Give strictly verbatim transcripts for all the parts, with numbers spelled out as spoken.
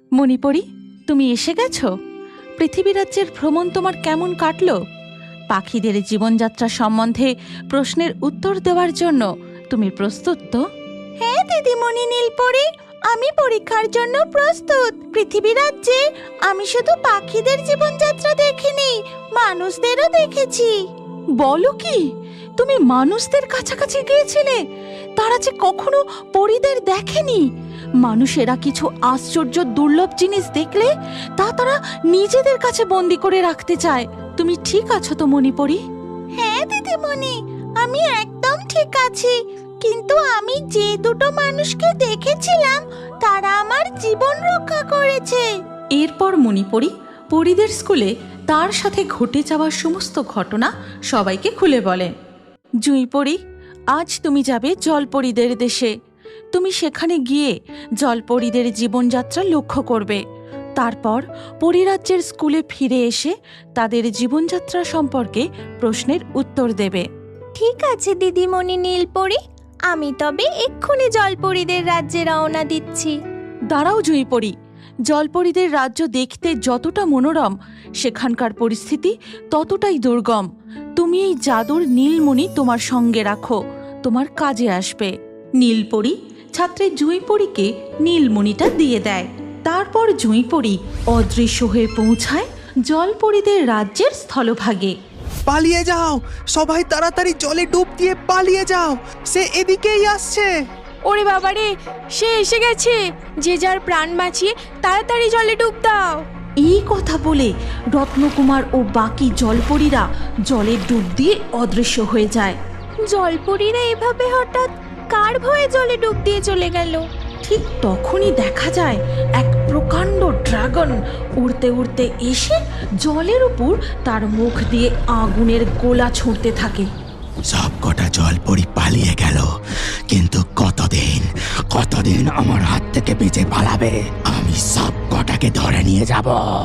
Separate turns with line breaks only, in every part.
মণিপরি, তুমি এসে গেছো। পৃথিবী রাজ্যের ভ্রমণ তোমার কেমন কাটলো? পাখিদের জীবনযাত্রা সম্বন্ধে প্রশ্নের উত্তর দেওয়ার জন্য তুমি প্রস্তুত তো? হ্যাঁ দিদিমণি নীলপরি, আমি পরীক্ষার জন্য প্রস্তুত। পৃথিবী রাজ্যে আমি শুধু পাখিদের জীবনযাত্রা দেখিনি, মানুষদেরও দেখেছি। বলো কি, তুমি মানুষদের কাছাকাছি গিয়েছিলে? তারা যে কখনো পরীদের দেখেনি। মানুষেরা কিছু আশ্চর্য দুর্লভ জিনিস দেখলে তা তারা নিজেদের কাছে বন্দি করে রাখতে চায়। তুমি ঠিক আছো তো মণিপরি? হ্যাঁ দিদিমণি, আমি একদম ঠিক আছি। কিন্তু আমি যে দুটো মানুষকে দেখেছিলাম তারা আমার জীবন রক্ষা করেছে। এরপর মণিপরি পরীদের স্কুলে তার সাথে ঘটে যাওয়া সমস্ত ঘটনা সবাইকে খুলে বলে। জুঁইপরি, আজ তুমি যাবে জলপরীদের দেশে। তুমি সেখানে গিয়ে জলপরীদের জীবনযাত্রা লক্ষ্য করবে। তারপর পরীরাজ্যের স্কুলে ফিরে এসে তাদের জীবনযাত্রা সম্পর্কে প্রশ্নের উত্তর দেবে।
ঠিক আছে দিদিমণি নীলপরি, আমি তবে এক্ষুনি জলপরীদের রাজ্যে রওনা দিচ্ছি।
দাঁড়াও জুঁইপরি, জলপরীদের রাজ্য দেখতে যতটা মনোরম, সেখানকার পরিস্থিতি ততটাই দুর্গম। তুমি এই জাদুর নীলমণি তোমার সঙ্গে রাখো, তোমার কাজে আসবে। নীলপরি ছাত্রী জুঁইপরিকে নীলমণিটা দিয়ে দেয়। তারপর জুঁইপরি অদৃশ্য হয়ে পৌঁছায় জলপরীদের রাজ্যের স্থলভাগে।
পালিয়ে যাও সবাই, তাড়াতাড়ি জলে ডুব দিয়ে পালিয়ে যাও, সে এদিকেই আসছে।
ওরে বাবারে, সে এসে গেছে। যে যার প্রাণ বাঁচিয়ে তাড়াতাড়ি জলে ডুব দাও।
এই কথা বলে রত্নকুমার ও বাকি জলপরীরা জলে ডুব দিয়ে অদৃশ্য হয়ে যায়।
জলপরীরা এভাবে হঠাৎ কার ভয়ে জলে ডুব দিয়ে চলে গেল?
ঠিক তখনই দেখা যায় এক প্রকাণ্ড ড্রাগন উড়তে উড়তে এসে জলের উপর তার মুখ দিয়ে আগুনের গোলা ছুঁড়তে থাকে।
সব কটা জলপরি পালিয়ে গেল, কিন্তু কতদিন কতদিন আমার হাত থেকে বেঁচে পালাবে? আমি সব কটাকে ধরে নিয়ে যাব।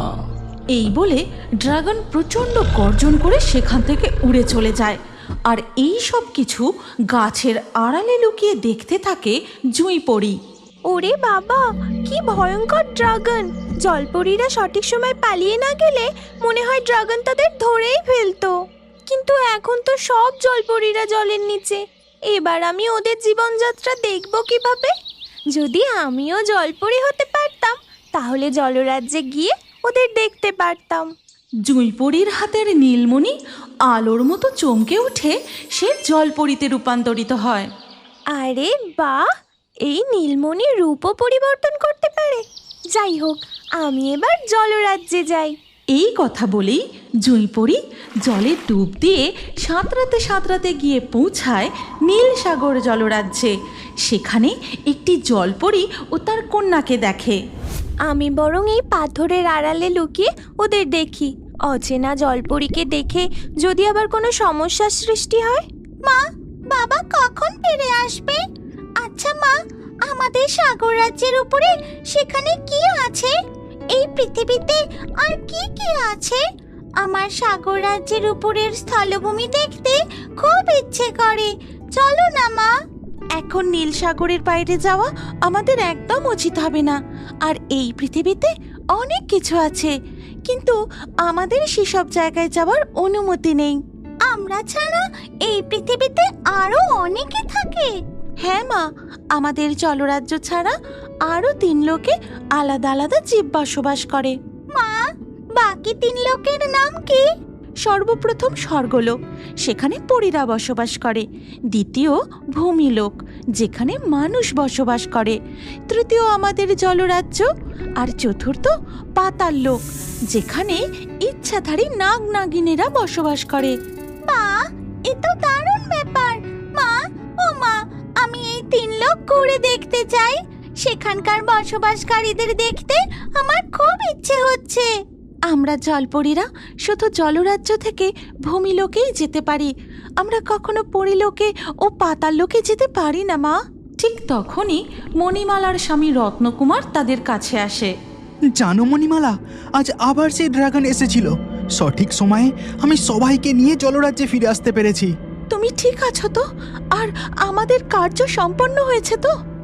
এই বলে ড্রাগন প্রচণ্ড গর্জন করে সেখান থেকে উড়ে চলে যায়। আর এই সব কিছু গাছের আড়ালে লুকিয়ে দেখতে থাকে জুঁইপরি।
ওরে বাবা, কি ভয়ঙ্কর ড্রাগন! জলপরীরা সঠিক সময় পালিয়ে না গেলে মনে হয় ড্রাগন তাদের ধরেই ফেলতো। কিন্তু এখন তো সব জলপরীরা জলের নিচে। এবার আমি ওদের জীবনযাত্রা দেখব কিভাবে? যদি আমিও জলপরী হতে পারতাম তাহলে জলরাজ্যে গিয়ে ওদের দেখতে পারতাম।
জুঁইপরির হাতের নীলমণি আলোর মতো চমকে উঠে সে জলপরীতে রূপান্তরিত হয়।
আরে বাহ, এই নীলমণি রূপও পরিবর্তন করতে পারে। যাই হোক, আমি এবার জলরাজ্যে যাই।
এই কথা বলেই জুঁইপরি জলে ডুব দিয়ে সাঁতরাতে সাঁতরাতে গিয়ে পৌঁছায় নীল সাগর জলরাজ্যে। সেখানে একটি জলপরি ও তার কন্যাকে দেখে।
আমি বরং এই পাথরের আড়ালে লুকিয়ে ওদের দেখি। অচেনা জলপরীকে দেখে যদি আবার কোনো সমস্যার সৃষ্টি হয়। মা, বাবা কখন ফিরে আসবে? আচ্ছা মা, আমাদের সাগর রাজ্যের উপরে সেখানে কি আছে? এই পৃথিবীতে আর কি কি আছে? আমার সাগর রাজ্যের উপরের স্থলভূমি দেখতে খুব ইচ্ছে করে। চলো না মা।
এখন নীল সাগরের বাইরে যাওয়া আমাদের একদম উচিত হবে না। আর এই পৃথিবীতে অনেক কিছু আছে, কিন্তু আমাদের সেসব জায়গায় যাওয়ার অনুমতি নেই।
আমরা ছাড়া এই পৃথিবীতে আরো অনেকে থাকে।
হ্যাঁ মা, আমাদের জলরাজ্য ছাড়া আরো তিন লোকে আলাদা আলাদা জীব বসবাস করে।
মা, বাকি তিন লোকের নাম কি?
সর্বপ্রথম স্বর্গলোক, সেখানে পরীরা বসবাস করে। দ্বিতীয় ভূমিলোক, যেখানে মানুষ বসবাস করে। তৃতীয় আমাদের জলরাজ্য। আর চতুর্থ পাতাল লোক, যেখানে ইচ্ছাধারী নাগ নাগিনীরা বসবাস করে।
মা, এ তো দারুণ ব্যাপার। মা, ও মা, আমি এই তিন লোক ঘুরে দেখতে চাই। সেখানকার বসবাসকারীদের দেখতে আমার খুব ইচ্ছে হচ্ছে।
আমরা জলপরীরা শুধু জলরাজ্য থেকে ভূমিলোকেই যেতে পারি। আমরা কখনো পরিলোকে ও পাতাল লোকে যেতে পারি না মা। ঠিক তখনই মণিমালার স্বামী রত্নকুমার তাদের কাছে আসে।
জানো মণিমালা, আজ আবার সেই ড্রাগন এসেছিল। সঠিক সময়ে আমি সবাইকে নিয়ে জলরাজ্যে ফিরে আসতে পেরেছি।
তুমি ঠিক আছো তো? আর আমাদের কার্য সম্পন্ন হয়েছে তো?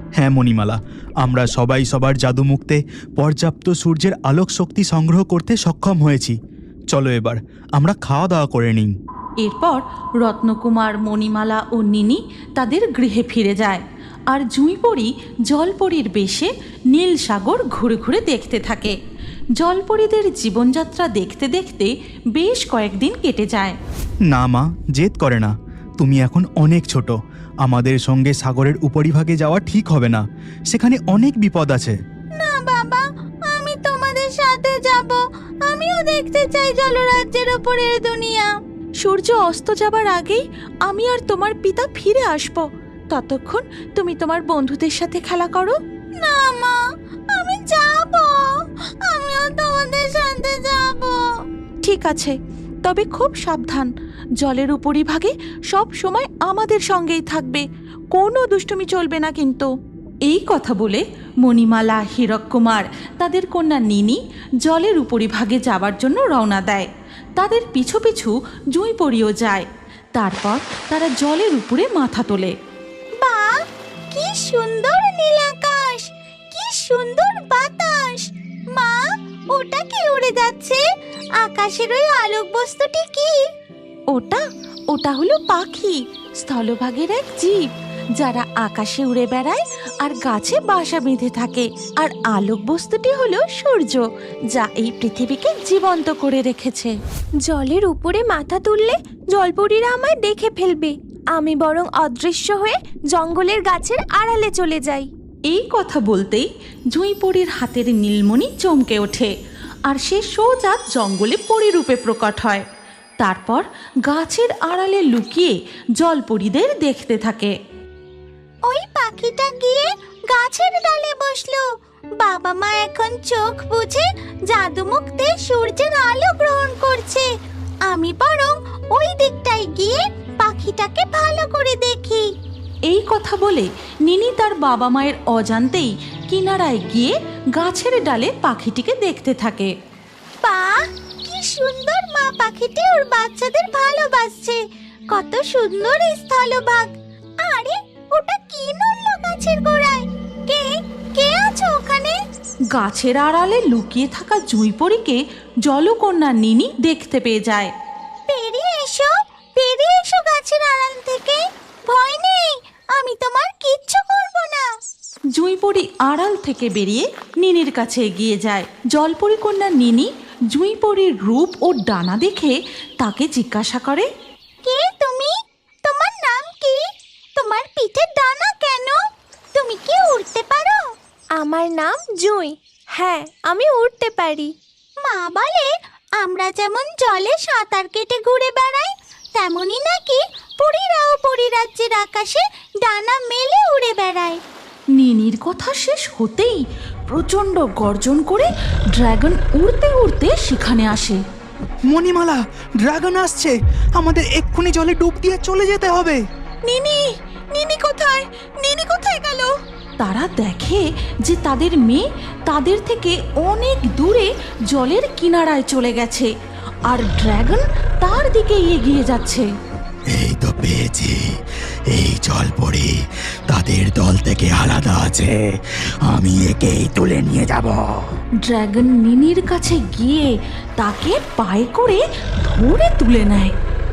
হ্যাঁ মণিমালা, আমরা সবাই সবার জাদুমুক্তে পর্যাপ্ত সূর্যের আলোক শক্তি সংগ্রহ করতে সক্ষম হয়েছি। চলো এবার আমরা খাওয়া দাওয়া করে নিই।
এরপর রত্নকুমার, মণিমালা ও নিনি তাদের গৃহে ফিরে যায়, আর জুঁইপড়ি জলপরীর বেশে নীল সাগর ঘুরে ঘুরে দেখতে থাকে। জলপরীদের জীবনযাত্রা দেখতে দেখতে বেশ কয়েকদিন কেটে যায়।
না মা, জেদ করে না। তুমি এখন অনেক ছোট, আমাদের সঙ্গে সাগরের উপরিভাগে যাওয়া ঠিক হবে না, সেখানে অনেক বিপদ আছে।
না বাবা, আমি তোমাদের সাথে যাব। আমিও দেখতে চাই জলরাজ্যের ওপরের দুনিয়া।
সূর্য অস্ত যাবার আগেই আমি আর তোমার পিতা ফিরে আসব। ততক্ষণ তুমি তোমার বন্ধুদের সাথে খেলা করো।
না মা, আমি যাব। আমিও তোমাদের সাথে যাব।
ঠিক আছে, তবে খুব সাবধান। জলের উপরিভাগে সব সময় আমাদের সঙ্গেই থাকবে, কোনো দুষ্টুমি চলবে না কিন্তু। এই কথা বলে মণিমালা, হীরক কুমার তাদের কন্যা নিনি জলের উপরিভাগে যাবার জন্য রওনা দেয়। তাদের পিছু পিছু জুঁইপড়িও যায়। তারপর তারা জলের উপরে মাথা তোলে।
বাহ, কি সুন্দর নীল আকাশ, কি সুন্দর বাতাস। মা, ওটা কি উড়ে যাচ্ছে? আকাশের ওই আলোক বস্তুটি কি?
ওটা ওটা হলো পাখি, স্থলভাগের এক জীব, যারা আকাশে উড়ে বেড়ায় আর গাছে বাসা বেঁধে থাকে। আর আলোক বস্তুটি হলো সূর্য, যা এই পৃথিবীকে জীবন্ত করে রেখেছে।
জলের উপরে মাথা তুললে জলপরীরা আমায় দেখে ফেলবে। আমি বরং অদৃশ্য হয়ে জঙ্গলের গাছের আড়ালে চলে যাই।
এই কথা বলতেই জুঁইপড়ির হাতের নীলমণি চমকে ওঠে, আর সে সোজা জঙ্গলে পরীরূপে প্রকট হয়। তারপর গাছের আড়ালে লুকিয়ে জলপরীদের দেখতে থাকে।
ওই পাখিটা গিয়ে গাছের ডালে বসলো। বাবা মা এখন চোখ বুজে জাদুমুক্তে সূর্যের আলো গ্রহণ করছে। আমি বরং ওই দিকটায় গিয়ে পাখিটাকে ভালো করে দেখি।
এই কথা বলে নিনি তার বাবা মায়ের অজান্তেই কিনারায় গিয়ে গাছের ডালে পাখিটিকে দেখতে থাকে।
বাহ, কি সুন্দর মা পাখিটি ওর বাচ্চাদের ভালোবাসছে। কত সুন্দর এই স্থলভাগ। আরে, ওটা কি নড়লো গাছের গোড়ায়? কে কে আছে ওখানে?
গাছের আড়ালে লুকিয়ে থাকা জুঁইপড়িকে জলকন্যা নিনি দেখতে পেয়ে যায়।
বেরিয়ে এসো, বেরিয়ে এসো গাছের আড়াল থেকে। ভয় নেই, আমি তোমার কিচ্ছু করব না।
জুঁইপড়ি আড়াল থেকে বেরিয়ে নিনির কাছে এগিয়ে যায়। জলপরি কন্যা নিনি জুঁইপড়ির রূপ ও ডানা দেখে তাকে জিজ্ঞাসা করে,
কে তুমি? তোমার নাম কি? তোমার পিঠে ডানা কেন? তুমি কি উড়তে পারো? আমার নাম জুঁই। হ্যাঁ, আমি উড়তে পারি। মা বলে আমরা যেমন জলে সাঁতার কেটে ঘুরে বেড়াই, তেমনি নাকি পরীরাও পরীরাজ্যের আকাশে ডানা মেলে উড়ে বেড়ায়।
নিনির কথা শেষ হতেই প্রচণ্ড গর্জন করে ড্রাগন উড়তে উড়তে সেখানে আসে।
মণিমালা, ড্রাগন আসছে, আমাদের এক্ষুনি জলে ডুব দিয়ে চলে যেতে হবে।
নিনি, নিনি কোথায়? নিনি কোথায় গেল? তারা দেখে যে তাদের মেয়ে তাদের থেকে অনেক দূরে জলের কিনারায় চলে গেছে, আর ড্রাগন তার দিকে এগিয়ে যাচ্ছে।
এই তো পেয়েছি, এই জলপরি তাদের দল থেকে আলাদা আছে, আমি একেই তুলে নিয়ে যাব।
ড্রাগন নিনির কাছে গিয়ে তাকে পায়ে করে ধরে তুলে নেয়।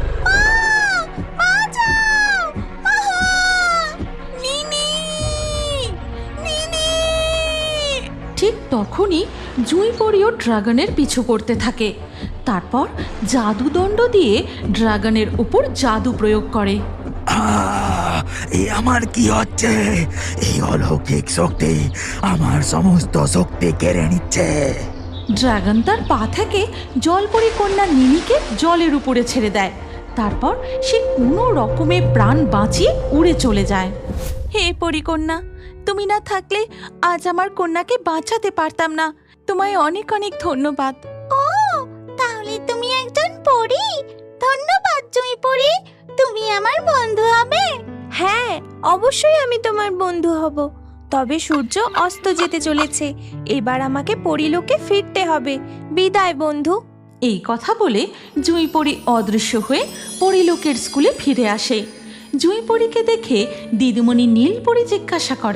ঠিক তখনই জুঁইপড়িও ড্রাগনের পিছু করতে থাকে। তারপর জাদুদণ্ড দিয়ে ড্রাগনের উপর জাদু প্রয়োগ করে।
আহ, এ আমার কি হচ্ছে? এই অলৌকিক শক্তি আমার সমস্ত শক্তি কেড়ে নিচ্ছে।
ড্রাগন তার পা থেকে জলপরি কন্যা নিনিকে জলের উপরে ছেড়ে দেয়। তারপর সে কোনো রকমে প্রাণ বাঁচিয়ে উড়ে চলে যায়। হে পরিকন্যা, তুমি না থাকলে আজ আমার কন্যাকে বাঁচাতে পারতাম না। তোমায় অনেক অনেক ধন্যবাদ।
ও, তাহলে তুমি একজন পরী। ধন্যবাদ জুঁইপড়ি, তুমি আমার বন্ধু হবে। হ্যাঁ, অবশ্যই আমি তোমার বন্ধু হব। তবে সূর্য অস্ত যেতে চলেছে, এবার আমাকে পরীলোকে ফিরতে হবে। বিদায় বন্ধু।
এই কথা বলে জুঁইপড়ি অদৃশ্য হয়ে পরীলোকের স্কুলে ফিরে আসে। জুঁইপড়িকে দেখে দিদিমণি নীলপরি জিজ্ঞাসা করে,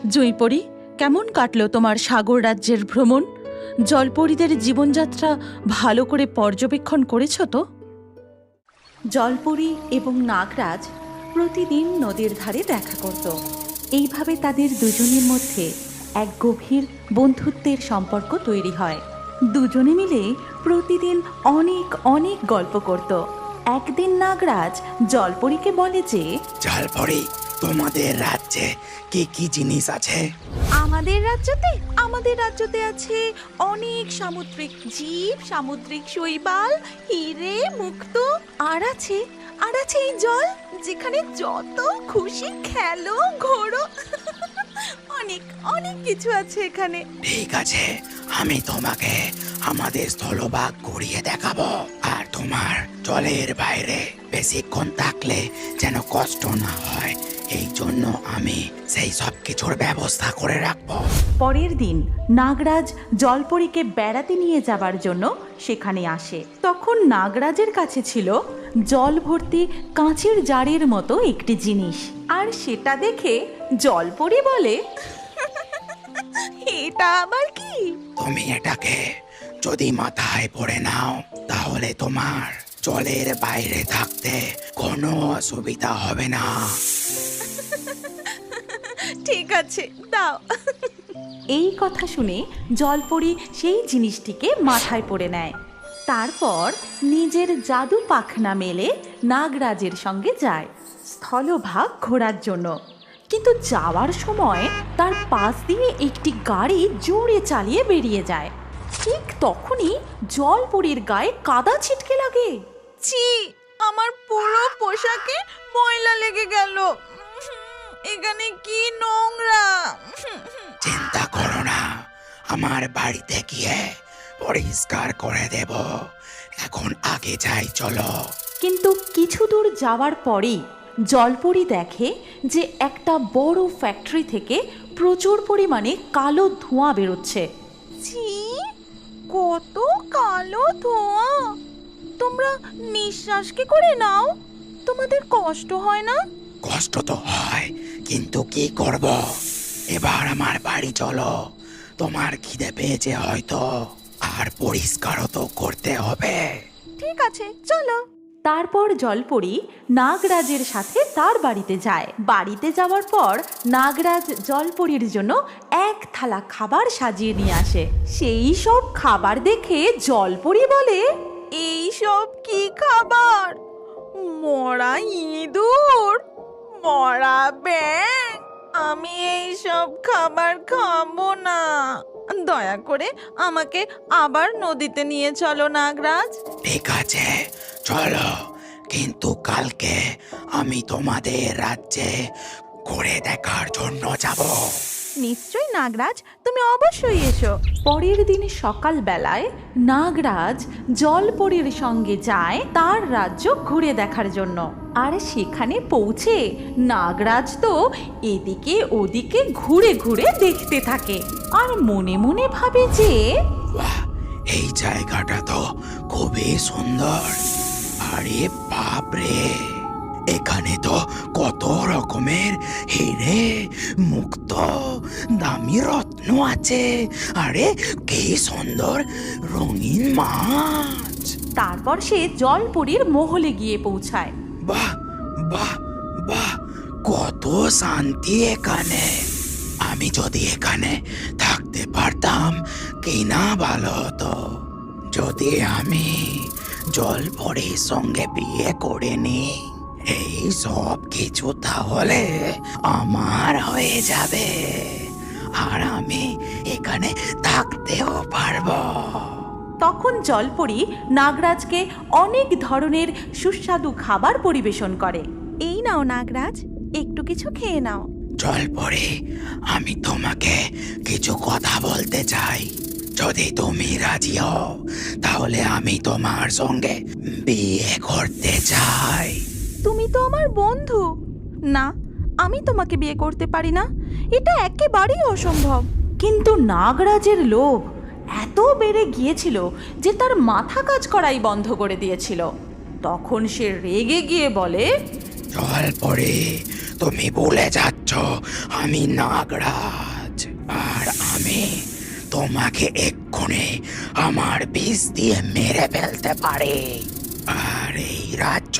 জুঁইপড়ি, কেমন কাটলো তোমার সাগর রাজ্যের ভ্রমণ? জলপরীদের জীবনযাত্রা ভালো করে পর্যবেক্ষণ করেছ তো? জলপরী এবং নাগরাজ প্রতিদিন নদীর ধারে দেখা করত। এইভাবে তাদের দুজনের মধ্যে এক গভীর বন্ধুত্বের সম্পর্ক তৈরি হয়। দুজনে মিলে প্রতিদিন অনেক অনেক গল্প করত। একদিন নাগরাজ জলপরীকে বলে যে,
জলপরি, তোমাদের রাজ্যে কি কি জিনিস আছে?
আমাদের রাজ্যতে আমাদের রাজ্যতে আছে অনেক সামুদ্রিক জীব, সামুদ্রিক শৈবাল, হিরে, মুক্ত, আর আছে আর আছে এই জল, যেখানে যত খুশি খেলো, ঘোরো। অনেক অনেক কিছু আছে এখানে।
ঠিক আছে, আমি তোমাকে আমাদের স্থলভাগ ঘুরিয়ে দেখাবো। আর তোমার জলের বাইরে বেশিক্ষণ থাকলে যেন কষ্ট না হয়, এই জন্য আমি সেই সব কিছুর ব্যবস্থা করে রাখবো।
পরের দিন নাগরাজ জলপরীকে বেড়াতে নিয়ে যাবার জন্য সেখানে আসে। তখন নাগরাজের কাছে ছিল জল ভর্তি কাঁচের জারের মতো একটি জিনিস, আর সেটা দেখে জলপরী বলে,
এটা আবার কি?
তুমি এটাকে যদি মাথায় পড়ে নাও, তাহলে তোমার জলের বাইরে থাকতে কোনো অসুবিধা হবে না।
ঠিক আছে, দাও।
এই কথা শুনে জলপরী সেই জিনিসটিকে মাথায় পড়ে নেয়। তারপর নিজের জাদু পাখনা মেলে নাগরাজের সঙ্গে যায় স্থলভাগ ঘোরার জন্য। কিন্তু যাওয়ার সময় তার পাশ দিয়ে একটি গাড়ি জোরে চালিয়ে বেরিয়ে যায়। ঠিক তখনই জলপরীর গায়ে কাদা ছিটকে লাগে।
ছি, আমার পুরো পোশাকে ময়লা লেগে গেল। এখানে কি নোংরা।
চিন্তা করো না, আমার বাড়িতে গিয়ে পরিষ্কার করে দেব। এখন আগে যাই, চলো।
কিন্তু কিছু দূর যাওয়ার পরেই জলপরী দেখে যে একটা বড় ফ্যাক্টরি থেকে প্রচুর পরিমাণে কালো ধোঁয়া বেরোচ্ছে।
ছি, কত কালো ধোঁয়া। তোমরা নিঃশ্বাস কি করে নাও? তোমাদের কষ্ট হয় না?
কষ্ট তো হয়, কিন্তু কি করব? এবার আমার বাড়ি চলো। তোমার খিদে পেয়েছে হয়তো, আর পরিষ্কারও তো করতে হবে।
ঠিক আছে, চলো।
তারপর জলপরী নাগরাজের সাথে তার বাড়িতে যায়। বাড়িতে যাওয়ার পর নাগরাজ জলপরীর জন্য এক থালা খাবার সাজিয়ে নিয়ে আসে। সেই সব খাবার দেখে জলপরী বলে,
এই সব কি খাবার? মরা ইঁদুর, মরা ব্যাঙ। আমি এই সব খাবার খাবো না। দয়া করে আমাকে আবার নদীতে নিয়ে চলো নাগরাজ।
ঠিক আছে, চলো। কিন্তু কালকে আমি তোমাদের রাজ্যে ঘুরে দেখার জন্য যাব।
নিশ্চয়ই নাগরাজ, তুমি অবশ্যই এসো।
পরের দিন সকালবেলায় নাগরাজ জলপরীর সঙ্গে যায় তার রাজ্য ঘুরে দেখার জন্য। আর সেখানে পৌঁছে নাগরাজ তো এদিকে ওদিকে ঘুরে ঘুরে দেখতে থাকে, আর মনে মনে ভাবে যে,
বাহ, এই জায়গাটা তো খুবই সুন্দর। আরে বাপরে, এখানে তো কত রকমের হিরে, মুক্ত, দামি রত্ন আছে। আরে কি সুন্দর রঙিন মাছ।
তারপর সে জলপরীর মহলে গিয়ে পৌঁছায়।
বাহ বাহ বাহ, কত শান্তি এখানে। আমি যদি এখানে থাকতে পারতাম কি না ভালো হতো। যদি আমি জলপরীর সঙ্গে বিয়ে করে নি, এই সব কিছু তাহলে আমার হয়ে যাবে, আর আমি এখানে থাকতেও পারবো।
তখন জলপরী নাগরাজকে অনেক ধরনের সুস্বাদু খাবার পরিবেশন করে।
এই নাও নাগরাজ, একটু কিছু খেয়ে নাও।
জলপরী, আমি তোমাকে কিছু কথা বলতে চাই। যদি তুমি রাজি হও, তাহলে আমি তোমার সঙ্গে বিয়ে করতে চাই।
তুমি তো আমার বন্ধু। না, আমি তোমাকে বিয়ে করতে পারি না। এটা একেবারেই অসম্ভব।
কিন্তু নাগরাজের লোভ এত বেড়ে গিয়েছিল যে তার মাথা কাজ করাই বন্ধ করে দিয়েছিল। তখন সে রেগে গিয়ে বলে,
জলপরী, তুমি ভুলে যাচ্ছ আমি নাগরাজ, আর আমি তোমাকে এক্ষুনি আমার বিষ দিয়ে মেরে ফেলতে পারি, আর এই রাজ্য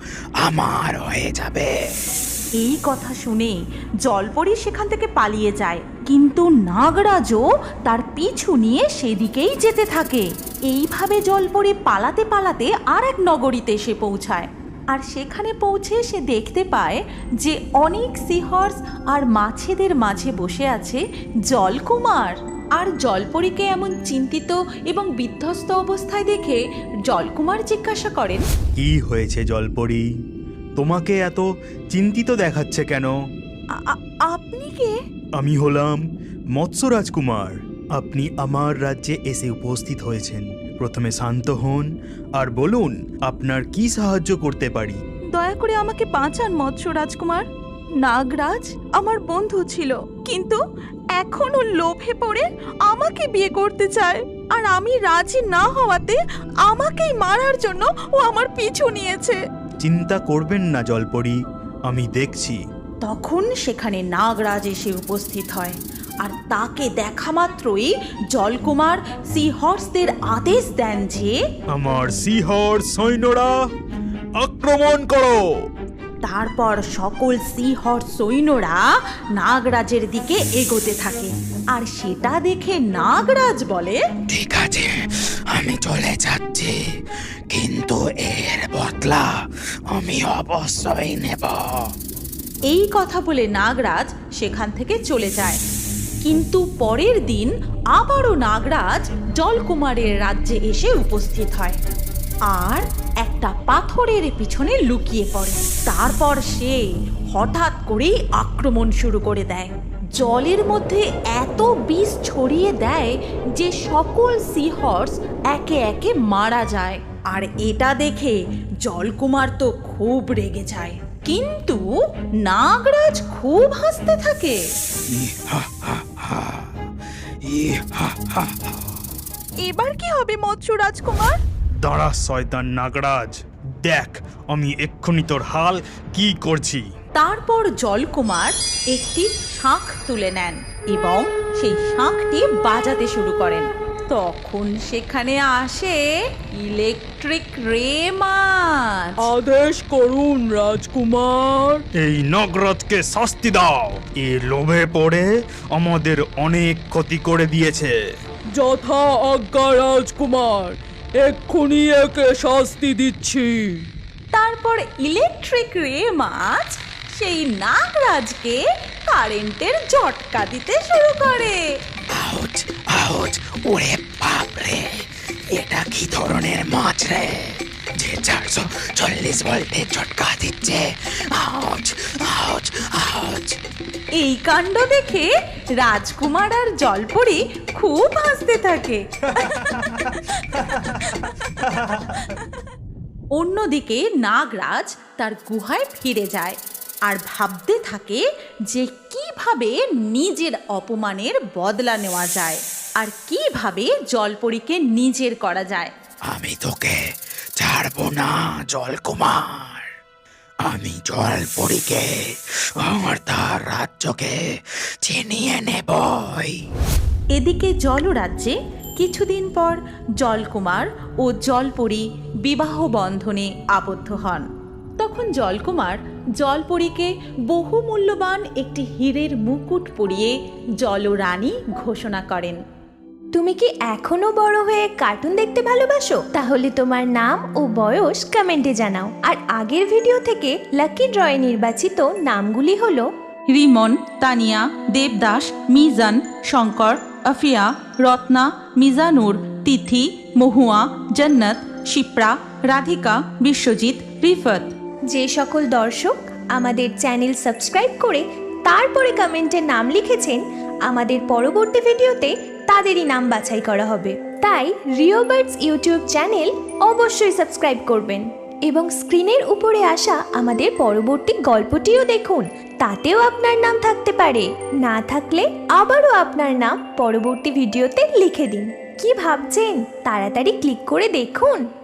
আমার হয়ে যাবে।
এই কথা শুনে জলপরি সেখান থেকে পালিয়ে যায়, কিন্তু নাগরাজও তার পিছু নিয়ে সেদিকেই যেতে থাকে। এইভাবে জলপরি পালাতে পালাতে আর এক নগরীতে এসে পৌঁছায়, আর সেখানে পৌঁছে সে দেখতে পায় যে অনেক সিহর্স আর মাছেদের মাঝে বসে আছে জলকুমার। আর জলপরীকে এমন চিন্তিত এবং বিধ্বস্ত অবস্থায় দেখে জলকুমার জিজ্ঞাসা করেন,
কি হয়েছে জলপরি? তোমাকে এত চিন্তিত দেখাচ্ছে কেন?
"আ- আ- আপনি কে?"
আমি হলাম মৎস্য রাজকুমার। আপনি আমার রাজ্যে এসে উপস্থিত হয়েছেন। প্রথমে শান্ত হন আর বলুন আপনার কি সাহায্য করতে পারি।
দয়া করে আমাকে বাঁচান মৎস্য রাজকুমার। নাগরাজ আমার বন্ধু ছিল, কিন্তু এখন ও লোভে পড়ে আমাকে বিয়ে করতে চায়, আর আমি রাজি না হওয়াতে আমাকেই মারার জন্য ও আমার পিছু নিয়েছে।
চিন্তা করবেন না জলপরি, আমি দেখছি।
তখন সেখানে নাগরাজ এসে উপস্থিত হয়, আর তাকে দেখা মাত্রই জলকুমার সিহর্সদের আদেশ দেন যে
আমার সিহর্স সৈন্যরা আক্রমণ করো।
তারপর সকল সিহর্স সৈন্যরা নাগরাজের দিকে এগোতে থাকে, আর সেটা দেখে নাগরাজ বলে,
ঠিক আছে, আমি চলে যাচ্ছি, কিন্তু এর বদলা আমি অবশ্যই নেব।
এই কথা বলে নাগরাজ সেখান থেকে চলে যায়। কিন্তু পরের দিন আবারও নাগরাজ জলকুমারের রাজ্যে এসে উপস্থিত হয়, আর একটা পাথরের পিছনে লুকিয়ে পড়ে। তারপর সে হঠাৎ করেই আক্রমণ শুরু করে দেয়। জলের মধ্যে এত বিষ ছড়িয়ে দেয় যে সকল সিহর্স একে একে মারা যায়। আর এটা দেখে জলকুমার তো খুব রেগে যায়, কিন্তু নাগরাজ খুব হাসতে থাকে। এবার কি হবে মৎস্য রাজকুমার?
দাঁড়া শয়তান নাগরাজ, দেখ আমি এক্ষুনি তোর হাল কি করছি।
তারপর জলকুমার একটি শাঁখ তুলে নেন এবং সেই শাঁখটি বাজাতে শুরু করেন। তখন সেখানে আসে ইলেকট্রিক রে মাছ।
আদেশ করুন রাজকুমার।
এই নগরতকে শাস্তি দাও, এ লোভে পড়ে আমাদের অনেক ক্ষতি করে দিয়েছে।
যথা আজ্ঞা রাজকুমার, এক্ষুনি একে শাস্তি দিচ্ছি।
তারপর ইলেকট্রিক রে মাছ সেই নাগরাজকে কারেন্টের ঝটকা দিতে শুরু করে।
আউচ আউচ, ওরে বাপরে, এটা কি ধরনের মাছ রে যে চারশো চল্লিশ ভোল্টের ঝটকা দিচ্ছে? Ouch ouch ouch.
এই কাণ্ড দেখে রাজকুমার আর জলপরি খুব হাসতে থাকে। অন্যদিকে নাগরাজ তার গুহায় ফিরে যায় আর ভাবতে থাকে যে কিভাবে নিজের অপমানের বদলা নেওয়া যায় আর কিভাবে জলপরীকে নিজের করা যায়।
আমি তোকে ছাড়বো না জলকুমার, আমি জলপরীকে আর তার রাজ্যকে ছিনিয়ে নেবই।
এদিকে জলরাজ্যে কিছুদিন পর জলকুমার ও জলপরী বিবাহ বন্ধনে আবদ্ধ হন। তখন জলকুমার জলপরীকে বহু মূল্যবান একটি হীরের মুকুট পরিয়ে জলরানী ঘোষণা করেন।
তুমি কি এখনো বড় হয়ে কার্টুন দেখতে ভালোবাসো? তাহলে তোমার নাম ও বয়স কমেন্টে জানাও। আর আগের ভিডিও থেকে লাকি ড্রয়ে নির্বাচিত নামগুলি হলো
রিমন, তানিয়া, দেবদাস, মিজান, শঙ্কর, আফিয়া, রত্না, মিজানুর, তিথি, মহুয়া, জন্নত, শিপ্রা, রাধিকা, বিশ্বজিৎ, রিফত।
যে সকল দর্শক আমাদের চ্যানেল সাবস্ক্রাইব করে তারপরে কমেন্টে নাম লিখেছেন, আমাদের পরবর্তী ভিডিওতে তাদেরই নাম বাছাই করা হবে। তাই রিও বার্ডস ইউটিউব চ্যানেল অবশ্যই সাবস্ক্রাইব করবেন এবং স্ক্রিনের উপরে আসা আমাদের পরবর্তী গল্পটিও দেখুন, তাতেও আপনার নাম থাকতে পারে। না থাকলে আবারও আপনার নাম পরবর্তী ভিডিওতে লিখে দিন। কি ভাবছেন? তাড়াতাড়ি ক্লিক করে দেখুন।